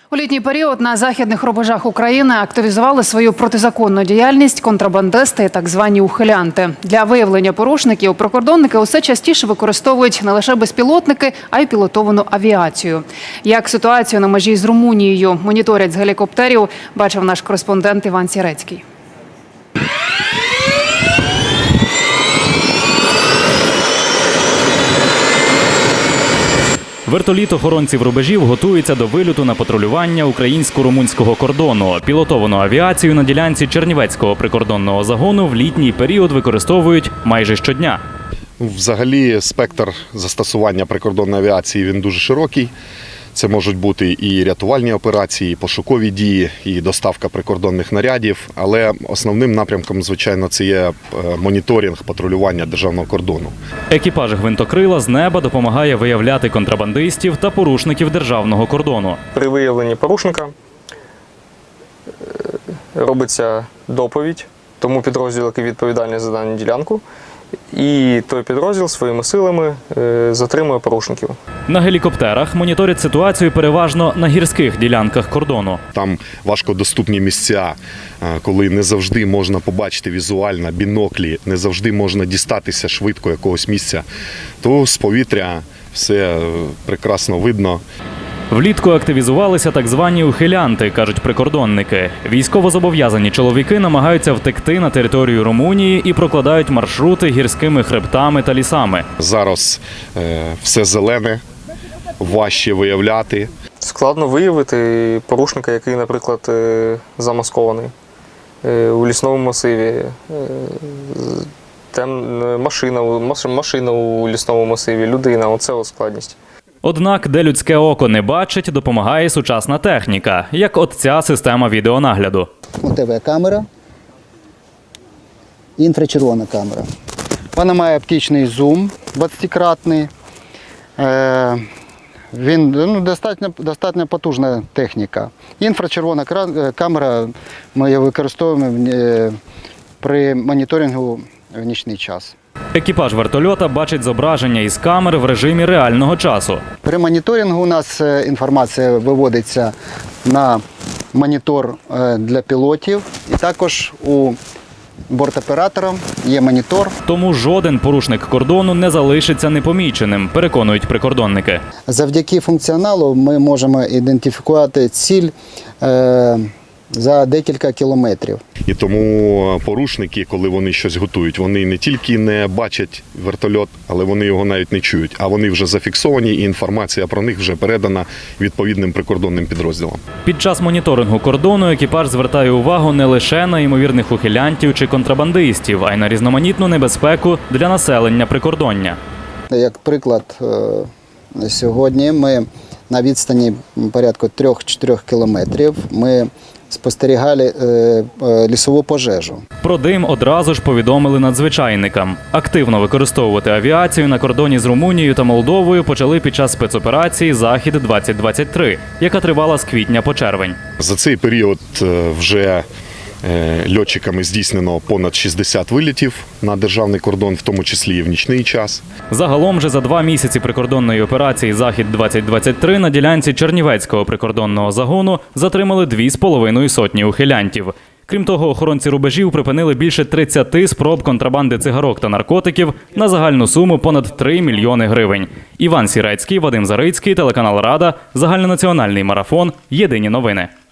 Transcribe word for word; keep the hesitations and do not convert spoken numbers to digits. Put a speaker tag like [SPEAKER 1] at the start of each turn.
[SPEAKER 1] У літній період на західних рубежах України активізували свою протизаконну діяльність контрабандисти і так звані ухилянти. Для виявлення порушників прикордонники усе частіше використовують не лише безпілотники, а й пілотовану авіацію. Як ситуацію на межі з Румунією моніторять з гелікоптерів, бачив наш кореспондент Іван Сірецький.
[SPEAKER 2] Вертоліт охоронців рубежів готується до вильоту на патрулювання українсько-румунського кордону. Пілотовану авіацію на ділянці Чернівецького прикордонного загону в літній період використовують майже щодня.
[SPEAKER 3] Взагалі спектр застосування прикордонної авіації він дуже широкий. Це можуть бути і рятувальні операції, і пошукові дії, і доставка прикордонних нарядів. Але основним напрямком, звичайно, це є моніторинг патрулювання державного кордону.
[SPEAKER 2] Екіпаж гвинтокрила з неба допомагає виявляти контрабандистів та порушників державного кордону.
[SPEAKER 4] При виявленні порушника робиться доповідь тому підрозділу, який відповідальний за дану ділянку. І той підрозділ своїми силами затримує порушників.
[SPEAKER 2] На гелікоптерах моніторять ситуацію переважно на гірських ділянках кордону.
[SPEAKER 3] Там важкодоступні місця, коли не завжди можна побачити візуально біноклі, не завжди можна дістатися швидко якогось місця, то з повітря все прекрасно видно.
[SPEAKER 2] Влітку активізувалися так звані ухилянти, кажуть прикордонники. Військовозобов'язані чоловіки намагаються втекти на територію Румунії і прокладають маршрути гірськими хребтами та лісами.
[SPEAKER 3] Зараз е, все зелене, важче виявляти.
[SPEAKER 4] Складно виявити порушника, який, наприклад, замаскований у лісному масиві. Там машина, машина у лісному масиві, людина – оце от складність.
[SPEAKER 2] Однак, де людське око не бачить, допомагає сучасна техніка, як от ця система відеонагляду.
[SPEAKER 5] У тебе камера, інфрачервона камера. Вона має оптичний зум двадцятикратний. Він ну, достатньо, достатньо потужна техніка. Інфрачервона камера ми її використовуємо при моніторингу в нічний час.
[SPEAKER 2] Екіпаж вертольота бачить зображення із камер в режимі реального часу.
[SPEAKER 5] При моніторингу у нас інформація виводиться на монітор для пілотів, і також у бортоператора є монітор.
[SPEAKER 2] Тому жоден порушник кордону не залишиться непоміченим, переконують прикордонники.
[SPEAKER 5] Завдяки функціоналу ми можемо ідентифікувати ціль е за декілька кілометрів.
[SPEAKER 3] І тому порушники, коли вони щось готують, вони не тільки не бачать вертольот, але вони його навіть не чують. А вони вже зафіксовані, і інформація про них вже передана відповідним прикордонним підрозділам.
[SPEAKER 2] Під час моніторингу кордону екіпаж звертає увагу не лише на ймовірних ухилянтів чи контрабандистів, а й на різноманітну небезпеку для населення прикордоння.
[SPEAKER 5] Як приклад, сьогодні ми на відстані порядку трьох-чотирьох кілометрів ми спостерігали е, лісову пожежу.
[SPEAKER 2] Про дим одразу ж повідомили надзвичайникам. Активно використовувати авіацію на кордоні з Румунією та Молдовою почали під час спецоперації «Захід двадцять двадцять три», яка тривала з квітня по червень.
[SPEAKER 3] За цей період вже льотчиками здійснено понад шістдесят вилітів на державний кордон, в тому числі і в нічний час.
[SPEAKER 2] Загалом же за два місяці прикордонної операції «Захід двадцять двадцять три» на ділянці Чернівецького прикордонного загону затримали дві з половиною сотні ухилянтів. Крім того, охоронці рубежів припинили більше тридцяти спроб контрабанди цигарок та наркотиків на загальну суму понад три мільйони гривень. Іван Сірецький, Вадим Зарицький, телеканал «Рада», загальнонаціональний марафон, єдині новини.